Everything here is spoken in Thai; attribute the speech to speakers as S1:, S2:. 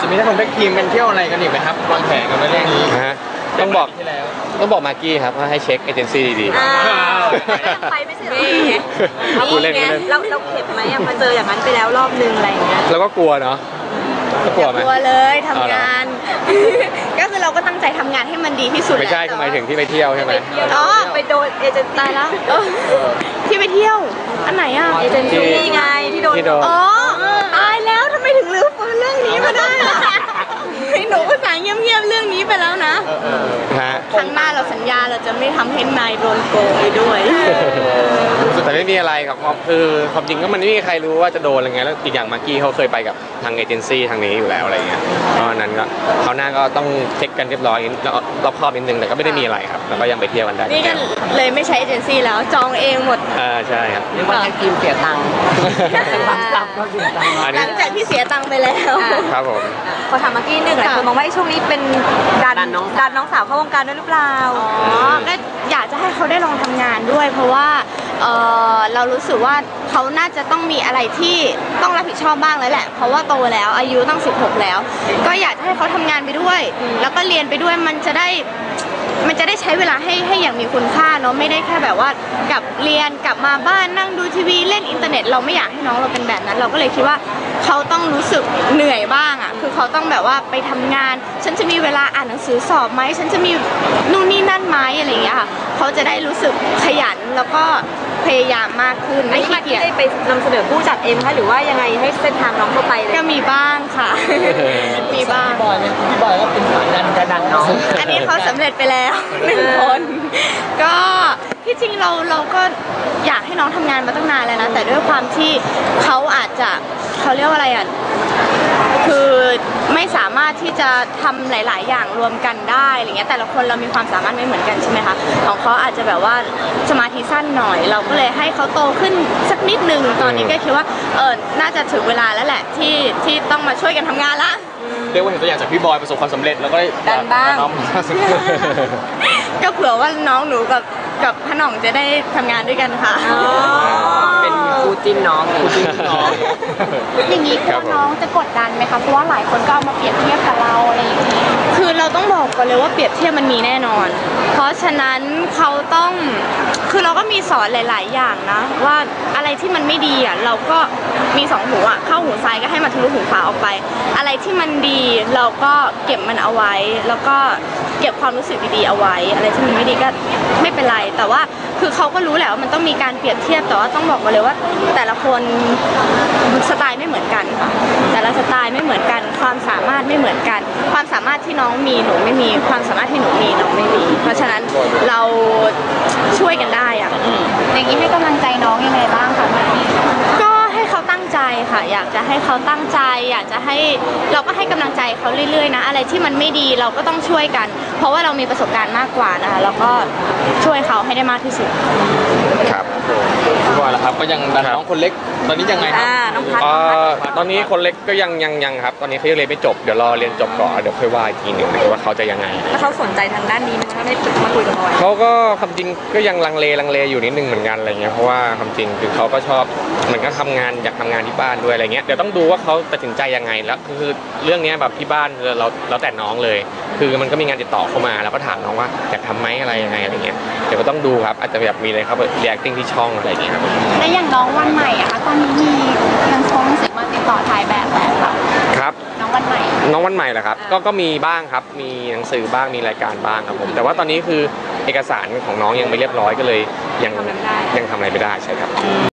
S1: จะมีนักแท็กทีมกันเที่ยวอะไรกันอีกไหมครับวางแผนกันไว้เรื่องนี้
S2: ฮะต้องบอกมากกี้ครับว่าให้เช็คเอเจนซี่ดี
S3: ๆไปไม่ใช่เหรอ
S2: พูดเล่น
S3: เราเข็ดไหมมาเจออย่างนั้นไปแล้วรอบนึงอะไรอย่างเงี้ย
S2: เราก็กลัวเนาะ
S4: กลัวเลยทำงานก็คือเราก็ตั้งใจทำงานให้มันดีที่สุด
S2: ไม่ใช่ทำไมถึงที่ไปเที่ยวใช่ไหม
S3: อ๋อไปโดนเอเจนซี่ตายแล้ว
S4: ที่ไปเที่ยวอันไหนอ่ะ
S3: เอเจนซี่ไงที่โดน
S4: อ๋อตายแล้วทำไมถึงลืมเรื่องนี้มาได้หนูก็สั่งเงียบๆเรื่องนี้ไปแล้วนะครั้งหน้าเราสัญญาเราจะไม่ทำให้นายโดนโกงไปด้วย
S2: แต่ไม่มีอะไรครับคือความจริงก็มันไม่มีใครรู้ว่าจะโดนอะไรเงี้ยแล้วอีกอย่างมากกี้เขาเคยไปกับทางเอเจนซี่ทางนี้อยู่แล้วอะไรเงี้ยเพราะนั้นก็คราวหน้าก็ต้องเช็คกันเรียบร้อยรอบคอบนิดนึงแต่ก็ไม่ได้มีอะไรครับแล้วก็ยังไปเที่ยวกันได้
S4: นี่กันเลยไม่ใช้เอเจนซี่แล้วจองเองหมด
S2: ใช่ครับ
S1: เรียกว่าทีมเสียตังค์
S4: หลังจากที่เสียตังค์ไปแล้ว
S2: ครับผม
S3: พอทำมากกี้หนึ่งหลายคนมองว่าช่วงนี้เป็นดันน้องสาวเข้าวงการด้วยหรือเปล่า
S4: ก็อยากจะให้เขาได้ลองทำงานด้วยเพราะว่าเรารู้สึกว่าเขาน่าจะต้องมีอะไรที่ต้องรับผิดชอบบ้างแล้วแหละเพราะว่าโตแล้วอายุตั้ง16แล้วก็อยากให้เขาทำงานไปด้วยแล้วก็เรียนไปด้วยมันจะได้ใช้เวลาให้อย่างมีคุณค่าเนาะไม่ได้แค่แบบว่ากลับเรียนกลับมาบ้านนั่งดูทีวีเล่นอินเทอร์เน็ตเราไม่อยากให้น้องเราเป็นแบบนั้นเราก็เลยคิดว่าเขาต้องรู้สึกเหนื่อยบ้างอ่ะคือเขาต้องแบบว่าไปทำงานฉันจะมีเวลาอ่านหนังสือสอบไหมฉันจะมีนู่นนี่นั่นไหมอะไรอย่างเงี้ยค่ะเขาจะได้รู้สึกขยันแล้วก็พยายามมากขึ้น
S3: ไม่ขี้เกียจได้ไปนำเสนอผู้จัดเองคะหรือว่ายังไงให้เส้นทางน้องเข้าไปเลย
S4: ก็มีบ้างค่ะมีบ้าง
S1: พี่บอยก็เป็นสายดันน้อง
S4: อันนี้เขาสำเร็จไปแล้ว1 คนก็ที่จริงเราก็อยากให้น้องทำงานมาตั้งนานแล้วนะแต่ด้วยความที่เขาอาจจะเขาเรียกว่าอะไรอ่ะคือไม่สามารถที่จะทำหลายๆอย่างรวมกันได้อะไรเงี้ยแต่ละคนเรามีความสามารถไม่เหมือนกันใช่ไหมคะของเขาอาจจะแบบว่าสมาธิสั้นหน่อยเราก็เลยให้เขาโตขึ้นสักนิดนึงตอนนี้ก็คิดว่าน่าจะถึงเวลาแล้วแหละที่ต้องมาช่วยกันทำงานละ
S1: เรียกว่าเห็นตัวอย่างจากพี่บอยประสบความสำเร็จแล้วก็
S3: ดันบ้าง
S4: ก็เผื่อว่าน้องหนูกับพน่องจะได้ทำงานด้วยกันค่ะ
S1: เป็นคู่จิ้นน้อง
S4: อย่างนี้ตัวน้องจะกดดันไหมคะเพราะว่าหลายคนก็เอามาเปรียบเทียบกับเราอะไรอย่างนี้คือเราต้องบอกก่อนเลยว่าเปรียบเทียบมันมีแน่นอนเพราะฉะนั้นเขาต้องคือเราก็มีสอนหลายๆอย่างนะว่าอะไรที่มันไม่ดีอ่ะเราก็มี2 หูอ่ะเข้าหูซ้ายก็ให้มันทะลุหูขวาออกไปอะไรที่มันดีเราก็เก็บมันเอาไว้แล้วก็เก็บความรู้สึกดีๆเอาไว้อะไรที่มันไม่ดีก็ไม่เป็นไรแต่ว่าคือเขาก็รู้แหละว่ามันต้องมีการเปรียบเทียบแต่ว่าต้องบอกมาเลยว่าแต่ละคนสไตล์ไม่เหมือนกันค่ะแต่ละสไตล์ไม่เหมือนกันความสามารถไม่เหมือนกันความสามารถที่น้องมีหนูไม่มีความสามารถที่หนูมีน้องไม่มีเพราะฉะนั้นเราช่วยกันได้อะอย่างนี้ให้กำลังใจน้องยังไงบ้างคะก็ให้เขาตั้งใจค่ะอยากจะให้เขาตั้งใจอยากจะให้เราก็ให้กำลังใจเขาเรื่อยๆนะอะไรที่มันไม่ดีเราก็ต้องช่วยกันเพราะว่าเรามีประสบการณ์มากกว่านะคะแล้วก็ช่วยเขาให้ได้มากที่สุด
S2: ครับ
S1: พี่บอยล่ะครับก็ยังดันน้องคนเล็กตอนนี้ยังไงครับ
S3: น้องพัด
S2: ตอนนี้คนเล็กก็ยังครับตอนนี้เขายังเรียนไม่จบเดี๋ยวรอเรียนจบก่อนเดี๋ยวค่อยว่าอีกทีหนึ่งว่าเขาจะยังไง
S3: แล้วเขาสนใจทางด้านนี้ไหมไม่ได้มาคุยกับบอย
S2: เขาก็ความจริงก็ยังลังเลอยู่นิดนึงเหมือนกันอะไรเงี้ยเพราะว่าความจริงคือเขาก็ชอบเหมือนก็ทำงานอยากทำงานที่บ้านด้วยอะไรเงี้ยเดี๋ยวต้องดูว่าเขาตัดสินใจยังไงแล้วคือเรื่องนี้แบบที่บ้านเราแต่น้องเลยคือมันก็มีงานติดต่อเข้ามาแล้วก็ถามน้องว่าอยากทำไหมอะไรยังไงอะไรเงี้ยเดี๋ยวก็ต้องดูครับอาจจะแบบมีอะไรครับเรียกติ้งที่ช่องอะไรอย่างเงี้ยครับ
S4: และอย่างน้องวันใหม่อะคะตอนนี้มีหนังสือมาติดต่อถ่ายแบบแล้วค่ะ
S2: ครับน้องวันใหม่เหรอครับก็มีบ้างครับมีหนังสือบ้างมีรายการบ้างครับผมแต่ว่าตอนนี้คือเอกสารของน้องยังไม่เรียบร้อยก็เลยยังทำอะไรไม่ได้ใช่ครับ